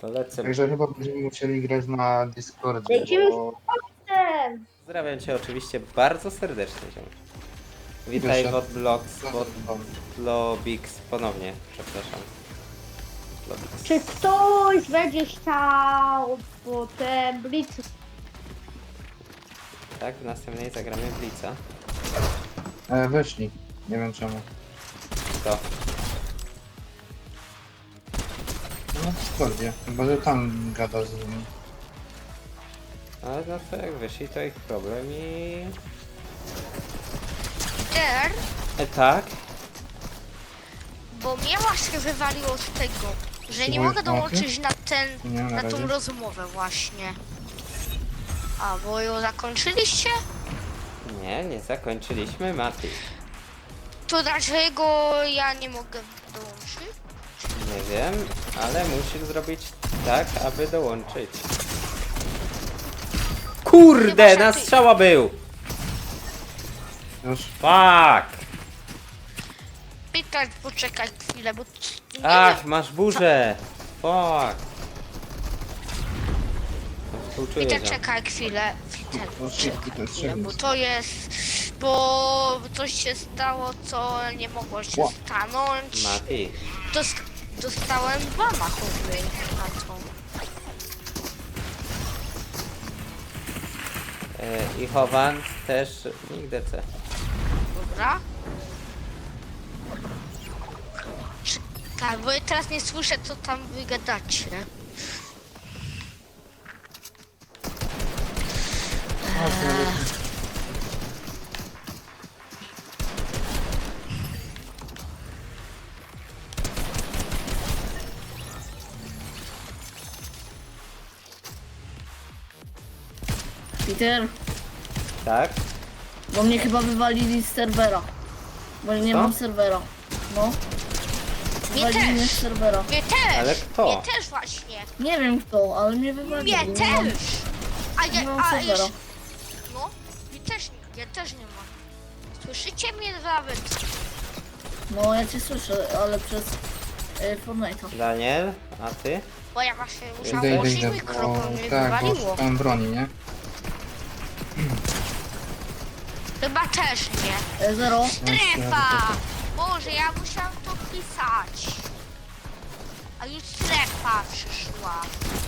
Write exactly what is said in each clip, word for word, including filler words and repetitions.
To lecę. Także chyba będziemy musieli grać na Discordzie, Lecimy bo... Ten. Pozdrawiam cię oczywiście bardzo serdecznie. Ziom. Witaj Wyszedł. Wodblox, Wodlobix ponownie, przepraszam. Lobix. Czy ktoś będzie chciał potem blitz? Tak, w następnej zagramy Blitza. E, wyszli. Nie wiem czemu. To. No na Discordzie. Chyba, że tam gada z nimi. Ale no to jak wyszli, to ich problem i... Der, E, tak? bo mnie właśnie wywaliło z tego, że nie Spróbuj mogę dołączyć na ten, Nie, na na tą razie. rozmowę właśnie. A, bo ją zakończyliście? Nie, nie zakończyliśmy Mati. To dlaczego ja nie mogę dołączyć? Nie wiem, ale musisz zrobić tak, aby dołączyć. Kurde, na strzała był! Już. Fuck! Pytać, poczekaj chwilę, bo nie Ach, wiem. masz burzę! Fuck! Współczuję, Pytać, że... czekaj chwilę. Witek, No, szybki to jest chwilę, bo szybki. to jest, bo coś się stało, co nie mogło się Ła. stanąć. Mati. Dost, dostałem dwa machowy na tą. E, I Chowan też nigdy C. Dobra. Tak, bo ja teraz nie słyszę, co tam wy gadacie. O, to- Peter, Tak? bo mnie chyba wywalili z serwera. Bo nie Co? mam serwera. No. Mnie Wywalili mnie też. z serwera. Mnie też. Ale kto? Mnie też właśnie. Nie wiem kto, ale mnie wywalili. Mnie Nie mam- też. A Nie ja, mam a serwera. jeszcze... No, mnie też, ja też nie mam. Słyszycie mnie nawet? No ja cię słyszę, ale przez y, Fortnite'a. Daniel, a ty? Bo ja właśnie musiałam Idę, idę, włączyć idę, mikrofon, bo... mnie Tak, bo wywaliło. szukałem broni, nie? Chyba też nie. E, zero. Strefa! Boże, ja musiałam to pisać. A już strefa przyszła.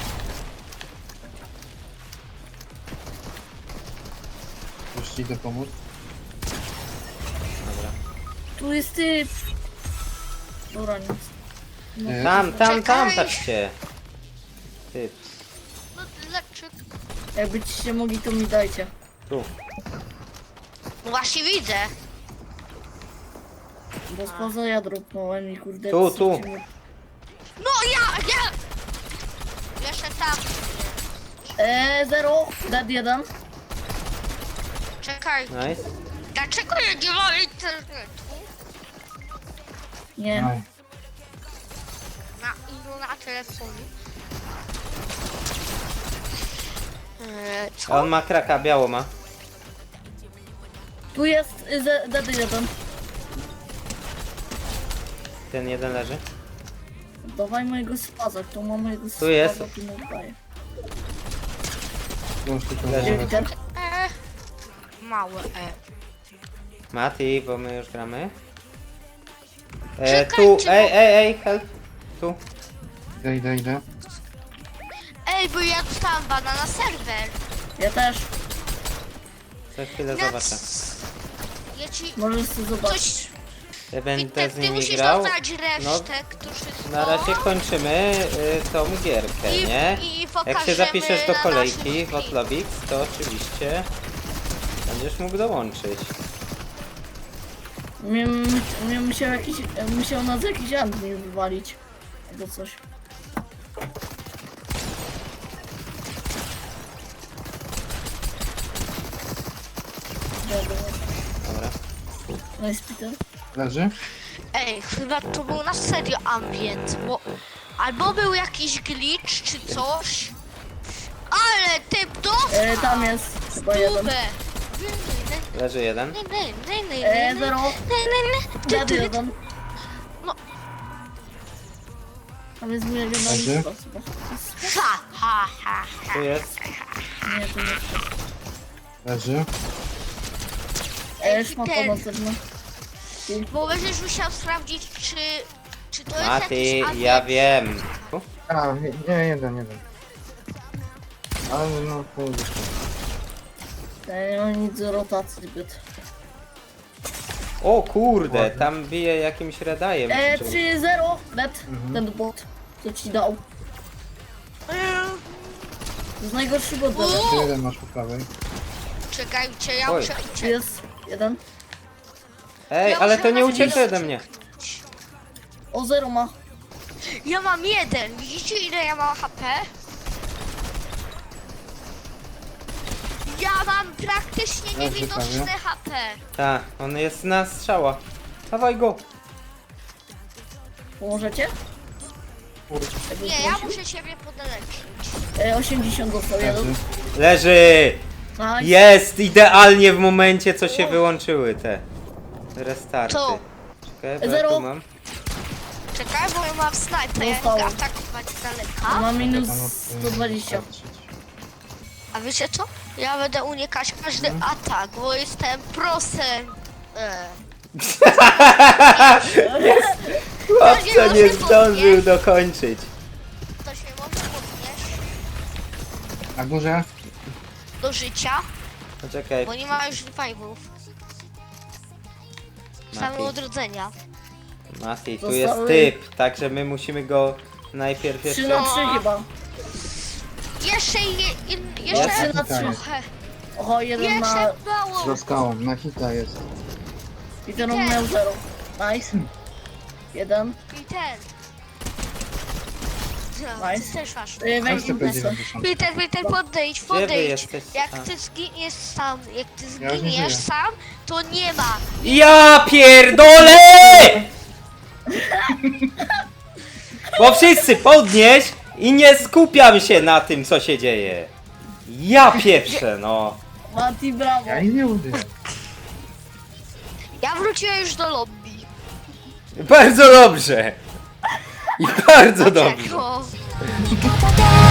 Już ci idę pomóc. Dobra. Tu jest typ. Dobra, nic. No. E, Tam, tam, tam, Czekaj. patrzcie! Ty, No dlaczego? Jakbyście mogli, to mi dajcie. tu. No właśnie widzę. Bo spoza ja dropnąłem i kurde... Tu, tu. chcecie mnie- No ja, ja! Jeszcze tam. E, zero. Dead jeden. Czekaj, Nice. dlaczego ja nie mam internetu? Nie. Aj. Na ilu na telefonie? Eee, A co? on ma kraka, biało ma. Tu jest y, ze- dead jeden. Ten jeden leży. Dawaj mojego spaza, tu mam mojego spaza. jest. Tu mi oddaję. Już tylko Leży. Gdzie zaraz. Peter? E, małe E. Mati, bo my już gramy. E, tu, Czekajcie, ej, bo- ej, ej, help. Tu. Idę, idę, idę. Ej, bo ja dostałam bana na serwer. Ja też. Za chwilę Na zobaczę. c- Ja ci Możesz sobie zobaczyć. coś... Ja będę Witek, z ty nimi musisz grał. dodać No, resztę, którzy na razie kończymy y, tą gierkę, I- nie? i Jak pokażemy się zapiszesz do na kolejki naszym w Otlobix, to oczywiście będziesz mógł dołączyć. Mnie, mnie musiał jakiś, musiał nas jakiś admin wywalić. Albo coś. Dobra. Dobra. No jest Peter. Leży? Ej, chyba to był na serio ambient, bo... Albo był jakiś glitch czy coś. Ale typ dostał! E, tam jest chyba jeden. Stówę. Leży jeden. E, zero. Dead jeden. No. Tam jest mój Leży. regionalny chyba. Ha, ha, ha, ha. Tu jest. Nie, to nie jest. Leży. E, już mam Ten. pomoc też, no. Bo będziesz musiał sprawdzić, czy, czy to jest Mati, jakiś ja agent. wiem. U, A, nie, nie, jeden, jeden. Ale no, kurde. Ja nie mam nic z rotacji zbyt. O kurde, tam bije jakimś redajem. E, Czy- trzy zero, net, Mhm. ten bot, co ci dał. Mm, To jest najgorszy bot dla mnie. Jeszcze jeden masz po prawej. Czekajcie, ja Oj. muszę Tu uciec. jest jeden. Ej, Ja ale muszę to nie nawet ucieknie nie ode mnie. O, zero ma. Ja mam jeden. Widzicie, ile ja mam H P? Ja mam praktycznie Leży niewidoczne prawie. H P. Tak, on jest na strzała. Dawaj go. Pomożecie? Kurde. Jakbyś Nie, ja prosił? muszę ciebie podleczyć. E, osiemdziesiąt dostał Leży. jeden. Leży! Nice. Jest! Idealnie w momencie, co się wyłączyły te restarty. Co? Czekaj, bo ja Zero. tu mam. Czekaj, bo ja mam snajpę, ja Dostałem. mogę atakować z daleka. Ma minus Tam od- sto dwadzieścia. A wiecie co? Ja będę unikać każdy atak, bo jestem prosem. E. Chłopca nie zdążył dokończyć. Ktoś mnie może podnieść Na górze. do życia, Poczekaj, bo nie ma już revivów. Same Mati. odrodzenia. Mati, tu Zostały- jest typ, także my musimy go najpierw trzy jeszcze... na trzy chyba. Jeszcze, je, je, Ja jeszcze trzy na trzy. trochę. Oho, jeden ma... Jeszcze mało. Za skałą. Na hita jest. I ten on miał zero. Nice. Jeden. I ten. No, Nice. ty też masz. E, Weź Weź te P impresę. dziewięćdziesiąt. Peter, Peter, podejdź, wy podejdź. jesteście? Jak A. ty zginiesz sam, jak ty Ja już nie zginiesz żyję. sam, to nie ma. Ja pierdolę! Bo wszyscy podnieś i nie skupiam się na tym, co się dzieje. Ja pieprzę, no. Mati, brawo. Ja ich nie użyję. Ja wróciłem już do lobby. Bardzo dobrze. I bardzo dobrze. Dlaczego? 味方で